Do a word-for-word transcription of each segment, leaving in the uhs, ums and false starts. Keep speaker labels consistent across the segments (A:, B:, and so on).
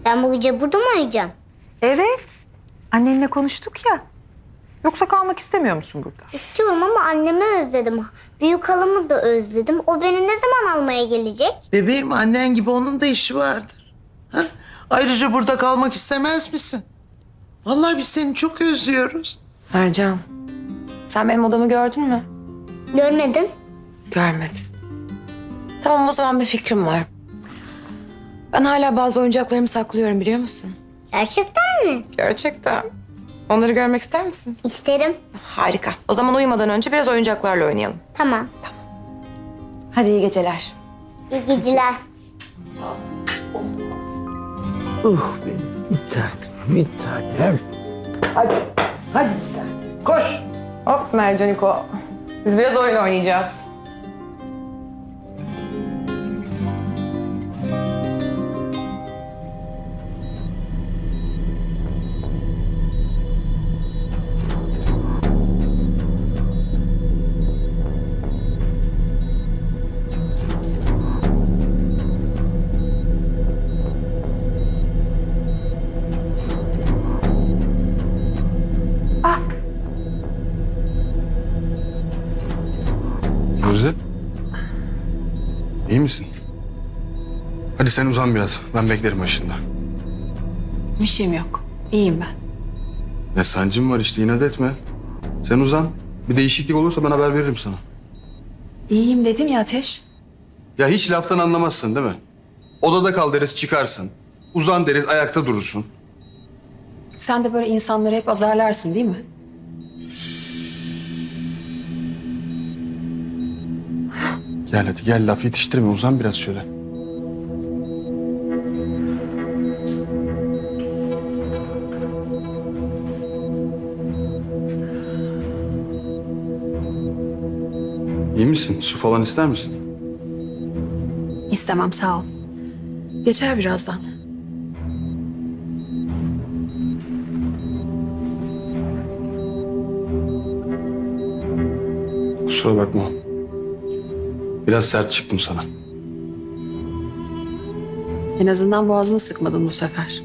A: Ben bu gece burada mı uyuyacağım?
B: Evet. Annenle konuştuk ya. Yoksa kalmak istemiyor musun burada?
A: İstiyorum ama annemi özledim. Büyük halamı da özledim. O beni ne zaman almaya gelecek?
C: Bebeğim, annen gibi onun da işi vardır. Ha? Ayrıca burada kalmak istemez misin? Vallahi biz seni çok özlüyoruz.
D: Ercan, sen benim odamı gördün mü?
A: Görmedim.
D: Görmedim. Tamam, o zaman bir fikrim var. Ben hala bazı oyuncaklarımı saklıyorum, biliyor musun?
A: Gerçekten mi?
D: Gerçekten. Onları görmek ister misin?
A: İsterim.
D: Harika. O zaman uyumadan önce biraz oyuncaklarla oynayalım.
A: Tamam.
D: Hadi iyi geceler.
A: İyi geceler.
C: Uh benim bir tanem, bir tanem. Hadi, hadi bir tanem. Koş.
D: Hop Mercaniko. Biz biraz oyun oynayacağız.
E: Firuze. İyi misin? Hadi sen uzan biraz. Ben beklerim başında.
F: Bir şeyim yok. İyiyim ben.
E: Ne sancım var işte, inat etme. Sen uzan. Bir değişiklik olursa ben haber veririm sana.
F: İyiyim dedim ya Ateş.
E: Ya hiç laftan anlamazsın değil mi? Odada kal deriz, çıkarsın. Uzan deriz, ayakta durursun.
F: Sen de böyle insanları hep azarlarsın değil mi?
E: Gel hadi gel, laf yetiştirme, uzan biraz şöyle. İyi misin? Su falan ister misin?
F: İstemem sağ ol. Geçer birazdan.
E: Kusura bakma. Biraz sert çıktım sana.
F: En azından boğazımı sıkmadın bu sefer.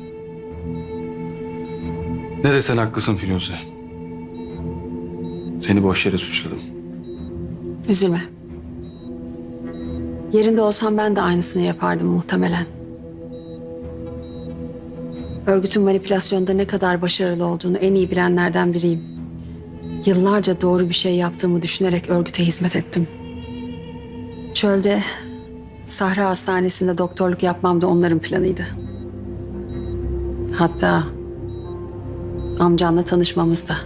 E: Ne desen haklısın Firuze. Seni boş yere suçladım.
F: Üzülme. Yerinde olsam ben de aynısını yapardım muhtemelen. Örgütün manipülasyonda ne kadar başarılı olduğunu en iyi bilenlerden biriyim. Yıllarca doğru bir şey yaptığımı düşünerek örgüte hizmet ettim. Çölde, Sahra Hastanesi'nde doktorluk yapmam da onların planıydı. Hatta amcanla tanışmamız da.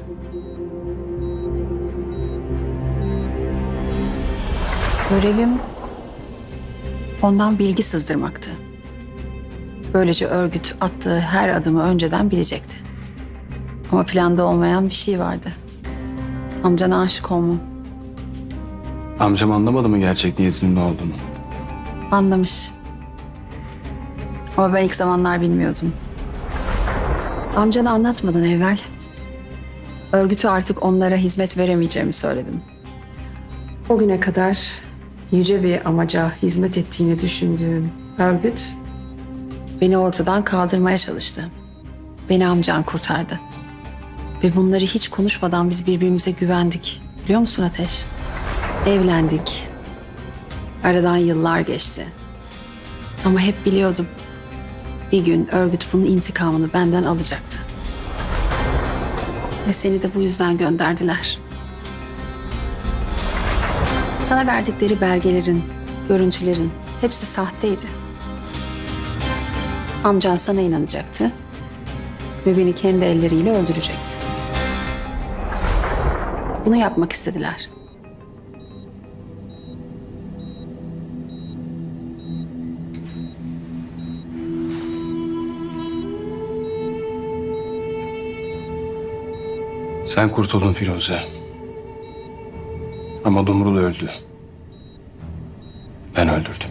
F: Görevim ondan bilgi sızdırmaktı. Böylece örgüt attığı her adımı önceden bilecekti. Ama planda olmayan bir şey vardı. Amcana aşık olmam.
E: Amcam anlamadı mı gerçek niyetinin ne olduğunu?
F: Anlamış. Ama ben ilk zamanlar bilmiyordum. Amcana anlatmadan evvel örgütü artık onlara hizmet veremeyeceğimi söyledim. O güne kadar yüce bir amaca hizmet ettiğini düşündüğüm örgüt beni ortadan kaldırmaya çalıştı. Beni amcan kurtardı. Ve bunları hiç konuşmadan biz birbirimize güvendik. Biliyor musun Ateş? Evlendik. Aradan yıllar geçti. Ama hep biliyordum. Bir gün örgüt bunun intikamını benden alacaktı. Ve seni de bu yüzden gönderdiler. Sana verdikleri belgelerin, görüntülerin hepsi sahteydi. Amcan sana inanacaktı ve beni kendi elleriyle öldürecekti. Bunu yapmak istediler.
E: Sen kurtuldun Firuze. Ama Dumrul öldü. Ben öldürdüm.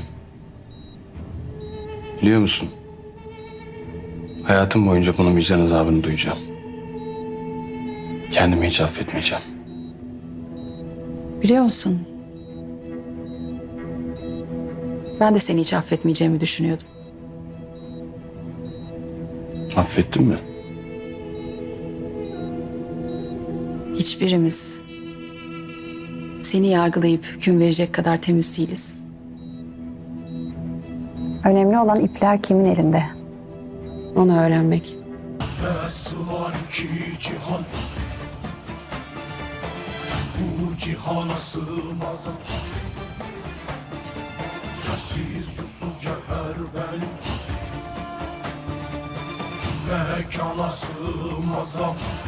E: Biliyor musun? Hayatım boyunca bunun vicdan azabını duyacağım. Kendimi hiç affetmeyeceğim.
F: Biliyor musun? Ben de seni hiç affetmeyeceğimi düşünüyordum.
E: Affettin mi?
F: Hiçbirimiz seni yargılayıp hüküm verecek kadar temiz değiliz. Önemli olan ipler kimin elinde? Onu öğrenmek.
G: Nasıl var ki cihan, bu cihana sığmaz. Yersiz yursuz cevher benim, mekana sığmaz.